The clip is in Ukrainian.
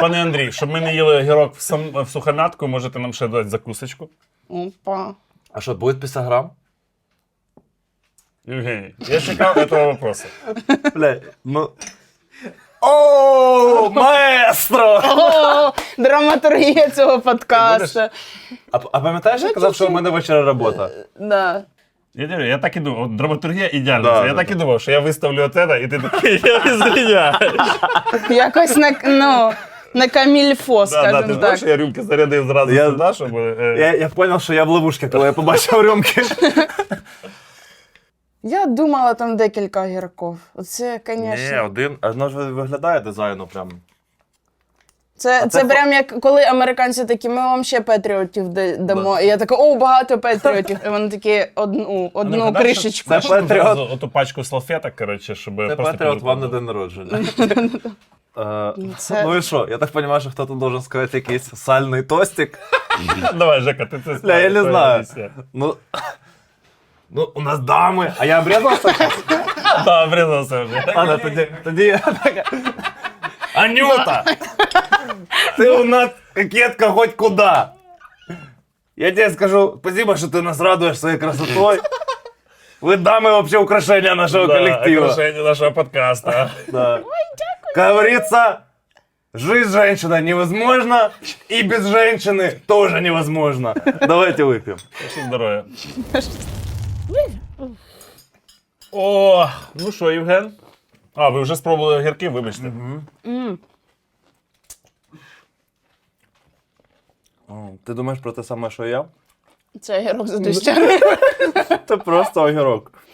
Пане Андрій, щоб ми не їли огірок в сухомятку, можете нам ще дати закусочку? Опа. А що, буде 50 грам? Євгеній, я чекав цього вопросу. Бля, ну... О, маестро! О, драматургія цього подкасту. А пам'ятаєш, я казав, що у мене ввечері робота? Да. Я так і думав, от драматургія ідеальна. Да, Я да, так і думав, що я виставлю оце, і ти такий, я извиняюсь. Якось на камільфо, Ти скажімо ж знаєш, так. я рюмки зарядив зразу Я- сюди, щоб... Я зрозумів, що я в ловушці, коли я побачив рюмки. Я думала, там декілька огірків. Оце, звісно. один. Воно ж виглядає дизайну прям. Це це прям як коли американці такі, ми вам ще патріотів дамо. І я така, о, багато патріотів. І вони такі одну кришечку. Це патріот. Оту пачку салфеток, коротше, щоб Це просто... патріот вам на день народження. Це- Ну і що? Я так розумію, що хтось должен сказати якийсь сальний тостик. Давай, Жека, ти це Бля, я не знаю. знаєш. Ну, у нас дами. А я обрізався? Так, врізався вже. Ладно, тоді я так. Анюта! Ты у нас кокетка хоть куда. Я тебе скажу, спасибо, что ты нас радуешь своей красотой. Вы дамы вообще украшения нашего коллектива. Украшення нашого подкаста. Да. Как говорится, жизнь женщины невозможна, и без женщины тоже невозможно. Давайте выпьем. Що здоров'я. О, ну що, Євген? А, ви вже спробували огірки, вибачте. Ти думаєш про те саме, що я? Це огірок за дощами. Це просто огірок.